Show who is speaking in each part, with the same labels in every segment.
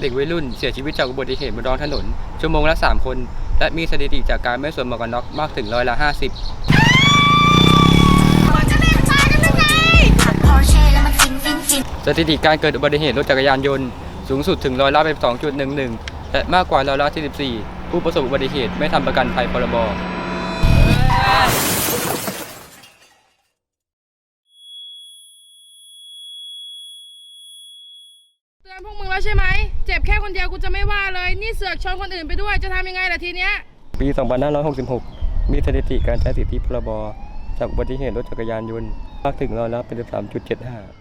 Speaker 1: เด็กวัยรุ่นเสียชีวิตจากอุบัติเหตุบนท้องถนนชั่วโมงละ3 คนและมีสถิติจากการไม่สวมหมวกกันน็อกมากถึง50%สถิติการเกิดอุบัติเหตุรถจักรยานยนต์สูงสุดถึง2.11%และมากกว่า44%ผู้ประสบอุบัติเหตุไม่ทำประกันภัยพรบ.
Speaker 2: เตือนพวกมึงแล้วใช่ไหมเจ็บแค่คนเดียวกูจะไม่ว่าเลยนี่เสือกชนคนอื่นไปด้วยจะทำยังไงล่ะทีเนี้ย
Speaker 1: ปี 2566 มีสถิติการใช้สิทธิพรบ.จากอุบัติเหตุรถจักรยานยนต์มากถึง13.75%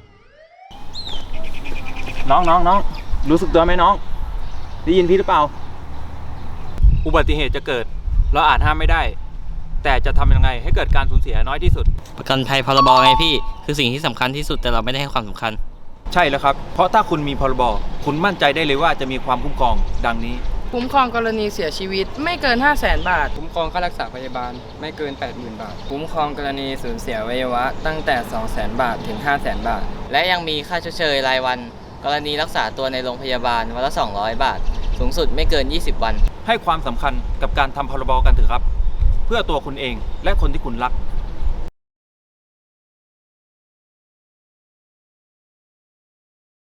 Speaker 3: น้องรู้สึกตัวไหมน้องได้ยินพี่หรือเปล่าอุบัติเหตุจะเกิดเราอาจห้ามไม่ได้แต่จะทำยังไงให้เกิดการสูญเสียน้อยที่สุด
Speaker 4: ประกันภัยพรบไงพี่คือสิ่งที่สำคัญที่สุดแต่เราไม่ได้ให้ความสำคัญ
Speaker 3: ใช่แล้วครับเพราะถ้าคุณมีพรบคุณมั่นใจได้เลยว่าจะมีความคุ้มครองดังนี้
Speaker 2: คุ้มครองกรณีเสียชีวิตไม่เกิน 500,000 บาท
Speaker 1: คุ้มครองค่ารักษาพยาบาลไม่เกิน 80,000 บาท
Speaker 5: คุ้มครองกรณีสูญเสียอวัยวะตั้งแต่ 200,000 บาทถึง 500,000 บาท
Speaker 4: และยังมีค่าชดเชยรายวันกรณีรักษาตัวในโรงพยาบาลวันละ200 บาทสูงสุดไม่เกิน20 วัน
Speaker 3: ให้ความสำคัญกับการทำพรบกันเถอะครับเพื่อตัวคุณเองและคนที่คุณรัก